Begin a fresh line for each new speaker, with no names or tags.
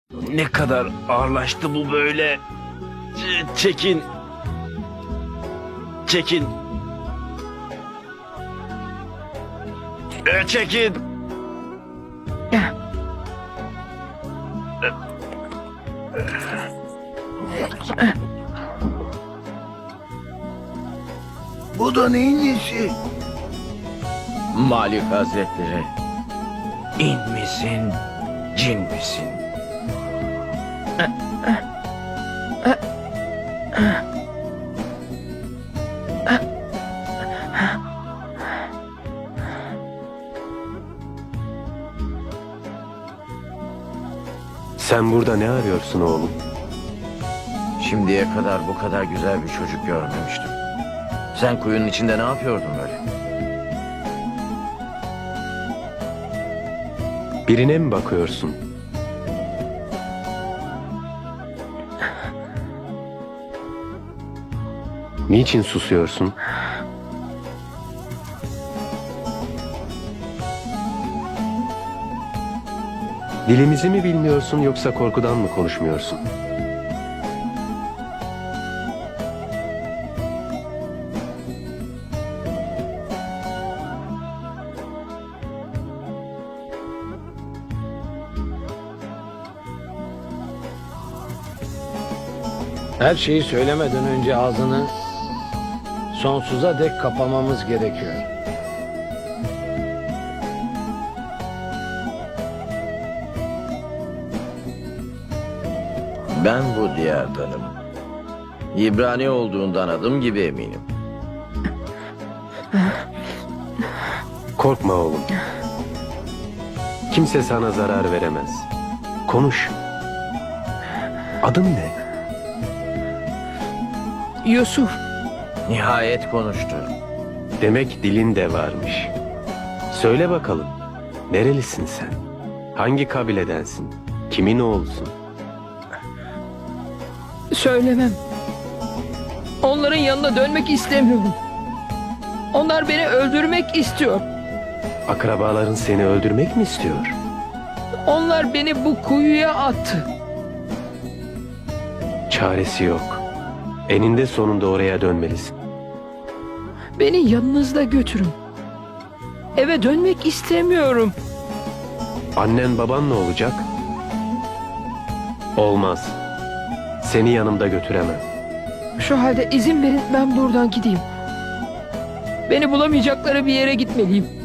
Ne kadar ağırlaştı bu böyle. Çekin. Çekin. Çekin.
Bu da neyin nesi?
Malik Hazretleri. İn misin, cin misin?
Sen burada ne arıyorsun oğlum?
Şimdiye kadar bu kadar güzel bir çocuk görmemiştim. Sen kuyunun içinde ne yapıyordun böyle?
Birine mi bakıyorsun? Niçin susuyorsun? Dilimizi mi bilmiyorsun yoksa korkudan mı konuşmuyorsun?
Her şeyi söylemeden önce ağzını sonsuza dek kapamamız gerekiyor.
Ben bu diyardanım. İbrani olduğundan adım gibi eminim.
Korkma oğlum. Kimse sana zarar veremez. Konuş. Adın ne?
Yusuf,
Nihayet konuştu.
Demek dilin de varmış. Söyle bakalım. Nerelisin sen? Hangi kabiledensin? Kimin oğlusun?
söylemem. Onların yanına dönmek istemiyorum. Onlar beni öldürmek istiyor.
Akrabaların seni öldürmek mi istiyor?
Onlar beni bu kuyuya attı.
Çaresi yok. Eninde sonunda oraya dönmelisin.
Beni yanınızda götürün. Eve dönmek istemiyorum.
Annen baban ne olacak? Olmaz. Seni yanımda götüremem.
Şu halde izin verin ben buradan gideyim. Beni bulamayacakları bir yere gitmeliyim.